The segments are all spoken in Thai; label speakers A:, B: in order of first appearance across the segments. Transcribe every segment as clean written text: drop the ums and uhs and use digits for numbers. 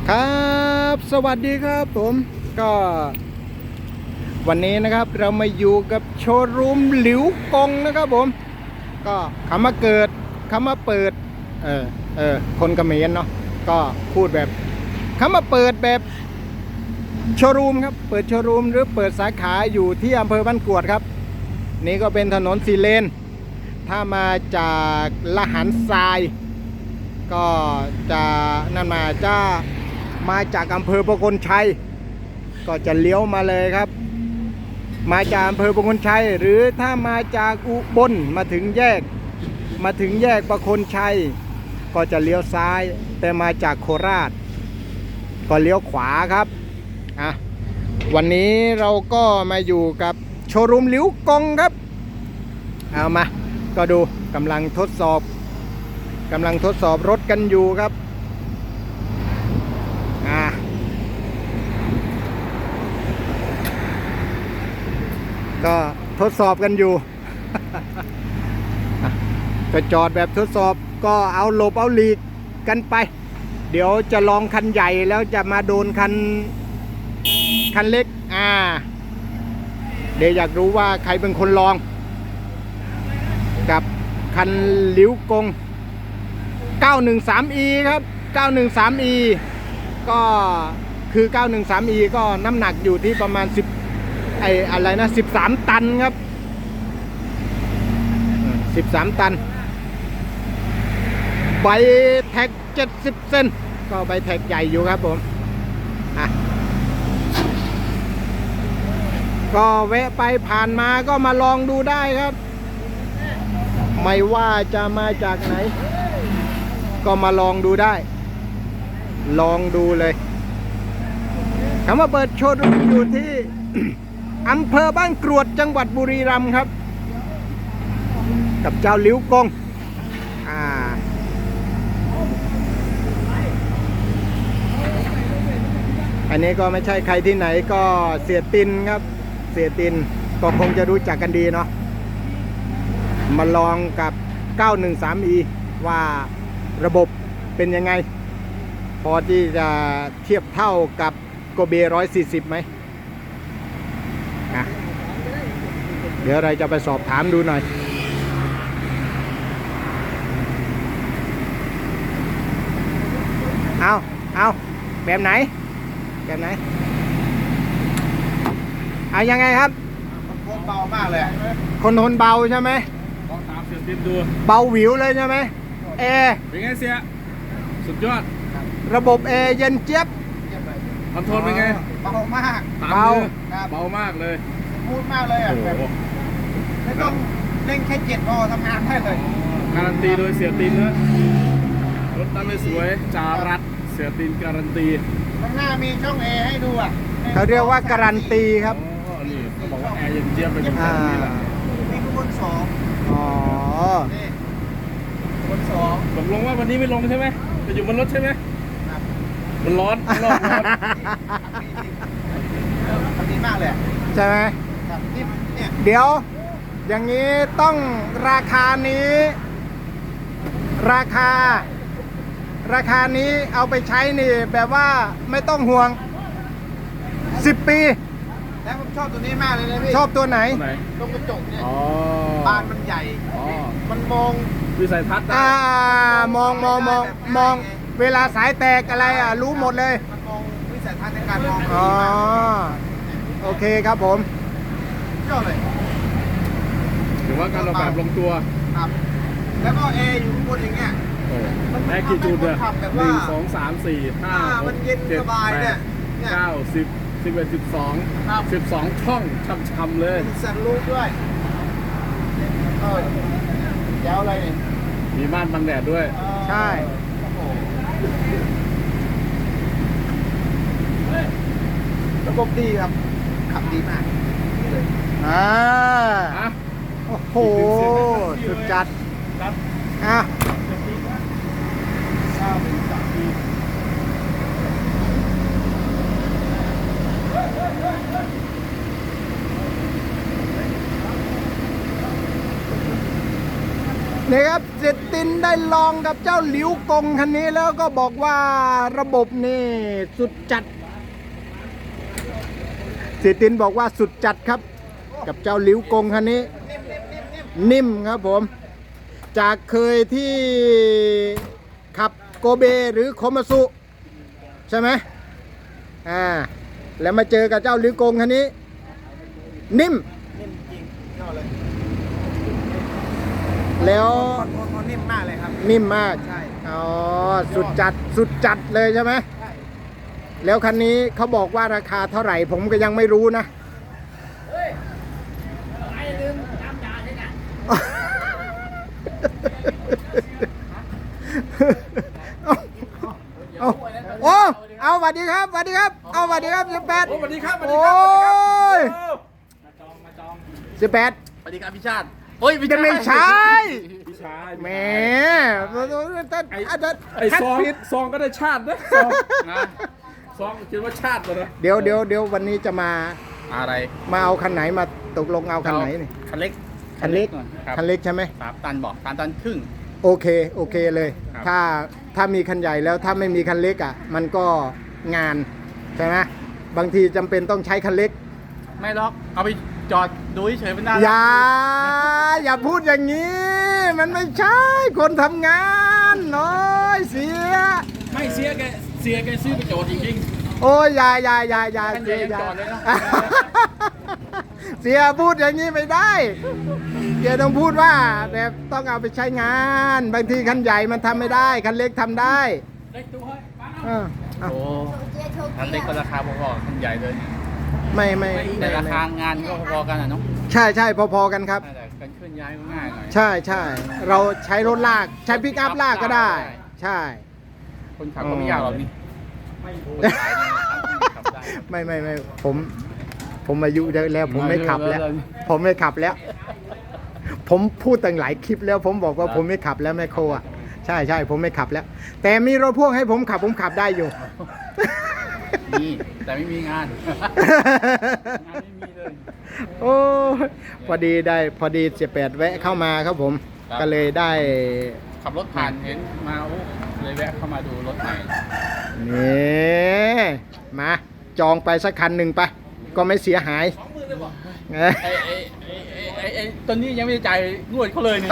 A: ครับสวัสดีครับผมก็วันนี้นะครับเรามาอยู่กับโชว์รูมหลิวกงนะครับผมก็คำว่าเกิดคำว่าเปิดคนเขมรเนาะก็พูดแบบคำว่าเปิดแบบโชว์รูมครับเปิดโชว์รูมหรือเปิดสาขาอยู่ที่อำเภอบ้านกรวดครับนี่ก็เป็นถนน4 เลนถ้ามาจากละหันทรายก็จะนั่นมาจากอำเภอประกลชัยก็จะเลี้ยวมาเลยครับมาจากอำเภอประกลชัยหรือถ้ามาจากอุบลมาถึงแยกประกลชัยก็จะเลี้ยวซ้ายแต่มาจากโคราชก็เลี้ยวขวาครับวันนี้เราก็มาอยู่กับโชว์รูมหลิวกงครับเอามาก็ดูกำลังทดสอบรถกันอยู่ครับก็ทดสอบกันอยู่ ก็จอดแบบทดสอบก็เอาหลบเอาหลีกกันไปเดี๋ยวจะลองคันใหญ่แล้วจะมาโดนคันเล็กเดี๋ยวอยากรู้ว่าใครเป็นคนลองกับคันหลิวกง 913e ครับ 913e ก็คือ 913e ก็น้ำหนักอยู่ที่ประมาณ13 ตันครับ13 ตันใบแท็ก70 เซนก็ใบแท็กใหญ่อยู่ครับผมก็แวะไปผ่านมาก็มาลองดูได้ครับไม่ว่าจะมาจากไหนก็มาลองดูได้ลองดูเลยคำว่าเปิดโชว์รูมอยู่ที่ อำเภอบ้านกรวดจังหวัดบุรีรัมย์ครับกับเจ้าหลิวกงอันนี้ก็ไม่ใช่ใครที่ไหนก็เสียตินครับเสียตินก็คงจะรู้จักกันดีเนาะมาลองกับ 913e ว่าระบบเป็นยังไงพอที่จะเทียบเท่ากับโกเบ140ไหมเดี๋ยวเราจะไปสอบถามดูหน่อยเอาแบบไหนเอายังไงครับ
B: คนเบามากเลย
A: คนทนเบาใช่ไหม
B: ลองตามเสียงติดดู
A: เบาหวิวเลยใช่ไหมแอร์
B: เป็นไงเสียสุดยอด
A: ระบบแอร์เย็นเจี๊ยบ
B: คอนโทรลเป็นไง
C: เบามาก
B: เบามากเลย
C: พูดมากเลยแบบไม่ต้องเร่งแค่7 พอทำงานได้เลย
B: การันตีโดยเสียตินนะรถตั้งไม่สวยจารัดเสียตินการันตี
C: ข้างหน้ามีช่องแอร์ให้ดู
A: เขาเรียกว่าการันตีครับ
B: นี่เขาบอกว่าแอร์เย็นเจี๊ยบเป็นแบบนี้แหละ
C: นี่คือบน2นี่บน2
B: ตกลงว่าวันนี้ไม่ลงใช่ไหมจะอยู่บนรถใช่ไหมมันร้อน
C: ดีมากเลย
A: ใช่ไหมเดี๋ยวอย่างนี้ต้องราคานี้เอาไปใช้นี่แบบว่าไม่ต้องห่วง10 ปี
C: แล้วผมชอบตัวนี้มากเลยนะพี่
A: ชอบตัวไหน
C: ตรงกระจกเนี่ยบานมันใหญ่มันมอง
B: วิสัยทัศน์
A: มองเวลาสายแตกอะไรรู้หมดเลย
C: มันมองวิสัยทัศน์ในการมอง
A: โอเคครับผม
C: ชอบเลย
B: ถือว่าการออกแบบลงตัว
C: ครับแล้วก็แอร์อยู่ข้างบนอย่างเงี้ย
B: แอร์กี่จุดเนี่ย1 2 3 4 5
C: มันเย็นสบายเนี่ย
B: 9 10 11 12ช่องช่ำๆเลย
C: มีสันลูกด้วยยาวอะไรเนี่ย
B: มีม่านบังแดดด้วย
A: ใช่
C: ระบบดีครับขับดีมาก
A: โอ้โหสุดจัดนี่ครับเสร็จตินได้ลองกับเจ้าหลิวกงคันนี้แล้วก็บอกว่าระบบนี่สุดจัดเสียตินบอกว่าสุดจัดครับ กับเจ้าหลิวกงคันนี้ นิ่มครับผม จากเคยที่ขับโกเบหรือโคมาซุใช่ไหมแล้วมาเจอกับเจ้าหลิวกงคันนี้ นิ่ม
C: นิ่มจริงยอดเลย
A: แล้ว
C: คนนิ่มมากเลยครับ
A: นิ่มมาก
C: ใช่
A: อ๋อสุดจัดเลยใช่ไหม
C: ใช่
A: แล้วคันนี้เขาบอกว่าราคาเท่าไหร่ผมก็ยังไม่รู้นะ เอาสวัสดีครับสวัสดีครับ เอาสวัสดีครับ18
B: โอ้สวัสดีครับสวัส
A: โอ
B: ดีครับสวัสดีครับ
A: ้ย
B: มาจอง
A: 18
B: สวัสดีครับพี่ชาติโอ้ย
A: จะไม่ใช่
B: พี่ชาย
A: แหม
B: ไอ้ซองก็ได้ชาตินะซองนะซองคิดว่าชาติเลยนะ
A: เดี๋ยววันนี้จะมา
B: อะไร
A: มาเอาคันไหนมาตกลงเอาคันไหนนี่
B: คันเล็ก
A: คันเล็ก
B: ครับ
A: คันเล็กใช่ไหม
B: 3 ตันบอก3 ตันครึ่ง
A: โอเคเลย
B: ครับ
A: ถ้ามีคันใหญ่แล้วถ้าไม่มีคันเล็กอ่ะ มันก็งานใช่ไหมบางทีจำเป็นต้องใช้คันเล็ก
B: ไม่หรอกเอาไปจอดดูเฉยๆเป็นหน้า
A: อย่าพูดอย่างนี้ มันไม่ใช่คนทำงานน้อยเสีย
B: ไม่เสียแกซื้อไปจอดจริง
A: โอ้ยอย่า
B: คันใหญ่ยังจอดเลยนะ
A: เสียพูดอย่างนี้ไม่ได้เสียต้องพูดว่าแบบต้องเอาไปใช้งาน บางทีคันใหญ่มันทำไม่ได้คันเล็กทำได้
B: ๆเล็กตัวเฮ้ย
A: เออเอา
B: โอ้คันเล็กก็ราคาพอๆคันใหญ่เลย
A: ไม่
B: แต่ราคางานก็พอๆกันอ่ะเนาะ
A: ใช่พอๆกันครับ
B: แต่การเคลื่อนย้ายก็ง่ายหน่อย
A: ใช่เราใช้รถลากใช้ปิกอัพลากก็ได้ ใช่
B: คนขับก็ไม่ยากหรอกนี่คนขายเนี่ยขับได้
A: ไม่ผมอายุเยอะแล้ว ผมไม่ขับแล้ว ผมไม่ขับแล้ว ผมพูดตั้งหลายคลิปแล้ว ผมบอกว่าผมไม่ขับแล้วแม่โคอ่ะใช่ผมไม่ขับแล้ว แต่มีรถพ่วงให้ผมขับได้อยู่
B: มีแต่ไม่มีงาน งานไม่มีเลย
A: โอ้ยพอดี18แวะเข้ามาครับผม
B: ครับ
A: ก็เลยได้
B: ขับรถผ่านเห็นมาโอ้เลยแวะเข้ามาดูรถใหม่
A: นี่มาจองไปสักคันหนึ่งไป ก็ไม่เสียหาย
B: 20,000เลยบอก
A: เอ้ย
B: ไอ้ตอนนี้ยังไม่ได้จ่ายงวดเขาเลยนี่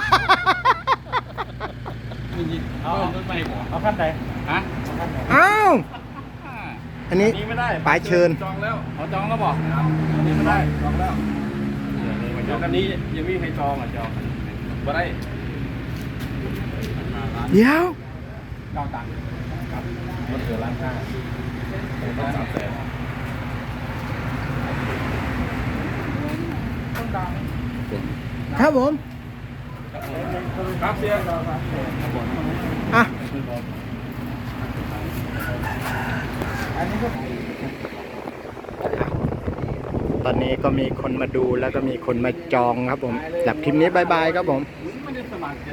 B: เอารถใหม่บอกเอาขั้นใดฮะ
A: อ้าวอันนี้
B: นี้ไม่ได้
A: ป๋าเชิญ
B: จองแล้วเขาจองแล้วบอกอันนี้ไม่ได้จองแล้วเดี๋ยวกันนี้ยังไม่มีใครจองอ่ะจองไม่ได้
A: เดี๋ยว
B: 9 ตังค์ครับรถเหลือ1.5 ล้านต้อง300,000ต้นดัง
A: ครับผม
B: ครับเสีย
A: อ่ะตอนนี้ก็มีคนมาดูแล้วก็มีคนมาจองครับผมจากคลิปนี้บายครับผม
B: ไม่ได้สมัครจะ